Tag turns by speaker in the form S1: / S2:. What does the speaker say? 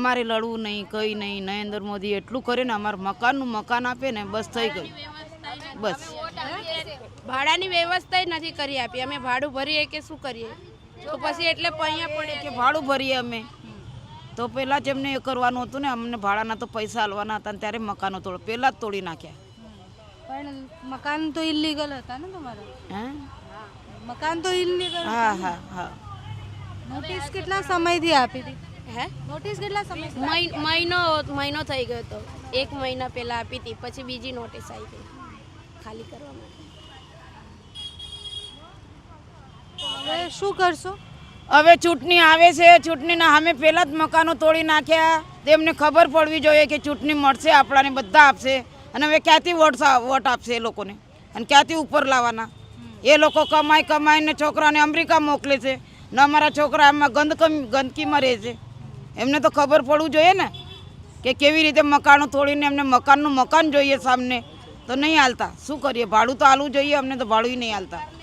S1: અમારે લડવું નહીં, કંઈ નહીં. નરેન્દ્ર મોદી એટલું કરે ને, અમારે મકાનનું મકાન આપે ને, બસ થઈ ગયું. બસ
S2: ભાડાની વ્યવસ્થા નથી કરી આપી. અમે ભાડું ભરીએ કે શું કરીએ? તો પછી એટલે અહીંયા પડે
S1: કે ભાડું ભરીએ અમે, તો પહેલાં જ એમને એ કરવાનું હતું ને, અમને ભાડાના તો પૈસા આલવાના હતા ને ત્યારે મકાનો પહેલાં જ તોડી નાખ્યા.
S3: પણ મકાન તો ઇલીગલ હતા ને તમારા?
S1: હે?
S3: મકાન તો ઇલીગલ.
S1: હા હા હા.
S3: નોટિસ કેટલા સમયથી આપી હતી?
S2: હે
S3: નોટિસ કેટલા સમય?
S2: મહિનો થઈ ગયો હતો. 1 મહિના પહેલા આપી હતી, પછી બીજી નોટિસ આવી ગઈ ખાલી કરવા માટે.
S3: હવે શું કરશો?
S1: હવે ચૂંટણી આવે છે, ચૂંટણીના સામે પહેલાં જ મકાનો તોડી નાખ્યા. તેમને ખબર પડવી જોઈએ કે ચૂંટણી મળશે, આપણાને બધા આપશે. અને હવે ક્યાંથી વોટ આપશે એ લોકોને, અને ક્યાંથી ઉપર લાવવાના? એ લોકો કમાઈને છોકરાને અમેરિકા મોકલે છે ને અમારા છોકરા આમાં ગંદકીમાં રહે છે. એમને તો ખબર પડવું જોઈએ ને કે કેવી રીતે મકાનો તોડીને એમને મકાન જોઈએ સામને, તો નહીં હાલતા. શું કરીએ? ભાડું તો આલવું જોઈએ, અમને તો ભાડું નહીં હાલતા.